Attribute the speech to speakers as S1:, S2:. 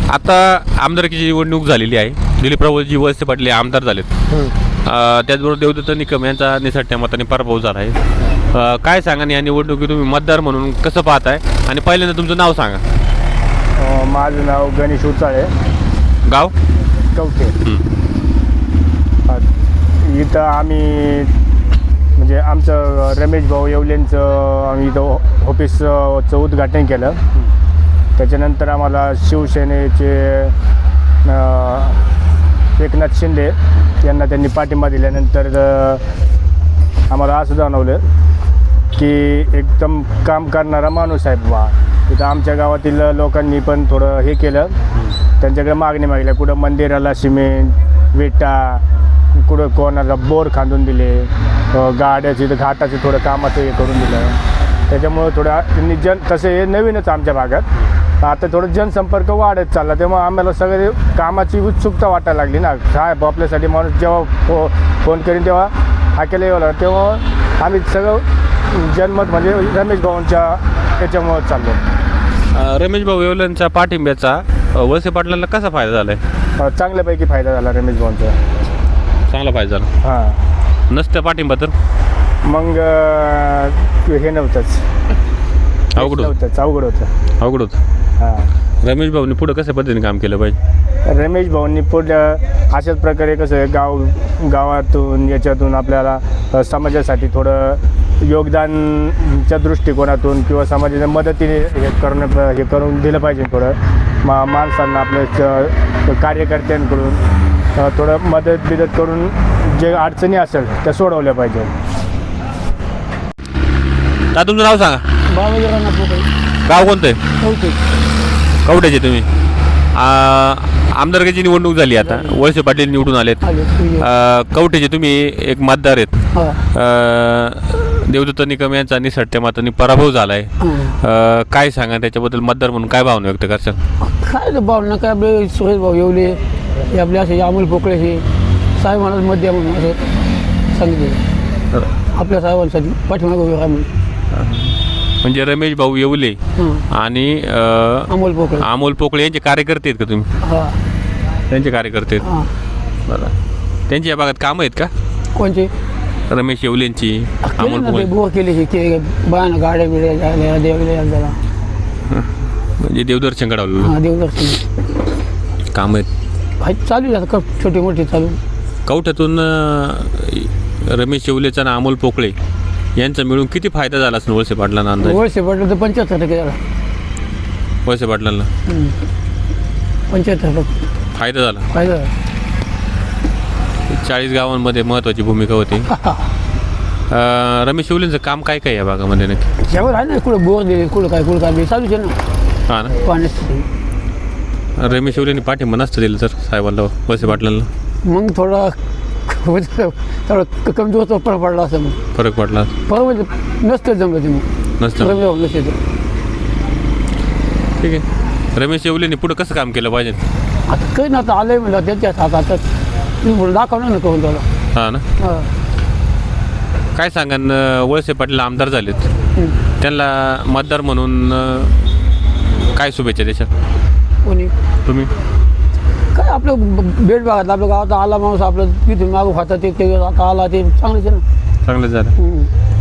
S1: आता आमदारकीची निवडणूक झालेली आहे. दिलीपरावजी वळसे पाटील हे आमदार झालेत. त्याचबरोबर देवदत्त निकम यांचा निसटत्या मताने पराभव झाला आहे. काय सांगा या निवडणुकीत तुम्ही मतदार म्हणून कसं पाहताय आणि पहिल्यांदा तुमचं नाव सांगा.
S2: माझं नाव गणेश उचाळे,
S1: गाव
S2: कवठे. इथं आम्ही म्हणजे आमचं रमेश भाऊ येवलेंचं आम्ही इथं ऑफिसचं उद्घाटन केलं. त्याच्यानंतर आम्हाला शिवसेनेचे एकनाथ शिंदे यांना त्यांनी पाठिंबा दिल्यानंतर आम्हाला असं जाणवलं की एकदम काम करणारा माणूस आहे बा. तिथं आमच्या गावातील लोकांनी पण थोडं हे केलं, त्यांच्याकडे मागणी मागल्या. कुठं मंदिराला सिमेंट विटा, कुठं कोणाला बोर खांदून दिले, गाड्याची घाटाचे थोडं कामाचं हे करून दिलं. त्याच्यामुळं थोडं त्यांनी तसं हे नवीनच आमच्या भागात आता थोडं जनसंपर्क वाढत चालला. तेव्हा आम्हाला सगळे कामाची उत्सुकता वाटायला लागली ना. साहेब आपल्यासाठी माणूस जेव्हा फोन करीन तेव्हा हाकेला यावं लागलं, तेव्हा आम्ही सगळं जनमत म्हणजे रमेश भाऊंच्या याच्यामुळं चाललो.
S1: रमेश भाऊ येवलेंच्या पाठिंब्याचा वळसे पाटलांना कसा फायदा झाला आहे?
S2: चांगल्यापैकी फायदा झाला रमेश भाऊंचा.
S1: चांगला फायदा झाला.
S2: हां,
S1: नसतं पाठिंबा तर
S2: मग हे नव्हतंच,
S1: अवघड होतं.
S2: अवघड होतं. हां,
S1: रमेश भाऊनी पुढं कशा पद्धतीने काम केलं पाहिजे?
S2: रमेश भाऊंनी पुढं अशाच प्रकारे कसं गावातून याच्यातून आपल्याला समाजासाठी थोडं योगदानच्या दृष्टिकोनातून किंवा समाजाच्या मदतीने हे करून दिलं पाहिजे. थोडं माणसांना आपल्या कार्यकर्त्यांकडून थोडं मदत करून जे अडचणी असेल त्या सोडवल्या पाहिजे.
S1: का तुमचं नाव सांगा. गाव कोणतं आहे? कवठ्याचे तुम्ही. आमदारकीची निवडणूक झाली आता, वळसे पाटील निवडून आलेत. कवठ्याचे तुम्ही एक मतदार आहेत. देवदत्त निकम यांचा निसटत्या मतांनी पराभव झाला आहे. काय सांगा त्याच्याबद्दल, मतदार म्हणून काय भावना व्यक्त करशाल?
S3: काय भावना काय, आपले सुरेश भाऊ येवले हे आपले असे अमोल पोकळे हे साहेब मला मत द्या म्हणून असं सांगितले आपल्या साहेबांसाठी पाठीमागे उभे राहा म्हणून.
S1: म्हणजे रमेश भाऊ येवले आणि अमोल पोकळे यांचे कार्यकर्ते आहेत का तुम्ही? त्यांचे कार्यकर्ते आहेत. बरं, त्यांची या भागात कामं आहेत का?
S3: कोणचे?
S1: रमेश येवलेंची, अमोल पोकळे.
S3: बुवा केले की बायानं गाड्या बिड्या द्यायला
S1: म्हणजे देवदर्शन घडवलं.
S3: देवदर्शन
S1: काम आहेत
S3: चालू आहे आता, छोटी मोठी चालू.
S1: कवठ्यातून रमेश येवलेचा आणि अमोल पोकळे यांचा मिळून किती फायदा झाला असेल वळसे पाटलांना अंदाज?
S3: वळसे पाटला तर 75% झाला.
S1: वळसे पाटलांना
S3: 75%
S1: फायदा झाला.
S3: फायदा
S1: 40 गावांमध्ये महत्त्वाची भूमिका होती. रमेश येवलेंचं काम काय काय या भागामध्ये नक्की?
S3: जेव्हा आहे ना, कुठं बोर दिले, कुठं काय चालूच आहे ना.
S1: हां ना.
S3: पाण्यासाठी
S1: रमेश येवलेंनी पाठिंबा नसतं दिलं तर साहेबांना, वळसे पाटलांना,
S3: मग थोडं कमजोर पडला असं. मग
S1: फरक पडला
S3: म्हणजे नसतं जमलं ते, मग
S1: नसतं.
S3: नसतं.
S1: ठीक आहे. रमेश येवलेंनी पुढं कसं काम केलं पाहिजे?
S3: आता काही ना, आता आलंय म्हणलं त्यांच्या हातात तुम्ही दाखवणार ना करून त्याला.
S1: हां ना. काय सांगा, वळसे पाटील आमदार झालेत, त्यांना मतदार म्हणून काय शुभेच्छा देशात?
S3: कोणी?
S1: तुम्ही.
S3: काय आपलं बेड भागात आपल्या गावात आला माणूस, आपलं तिथून मागू खातात ते आता आला ते चांगलंच आहे ना.
S1: चांगलं झालं.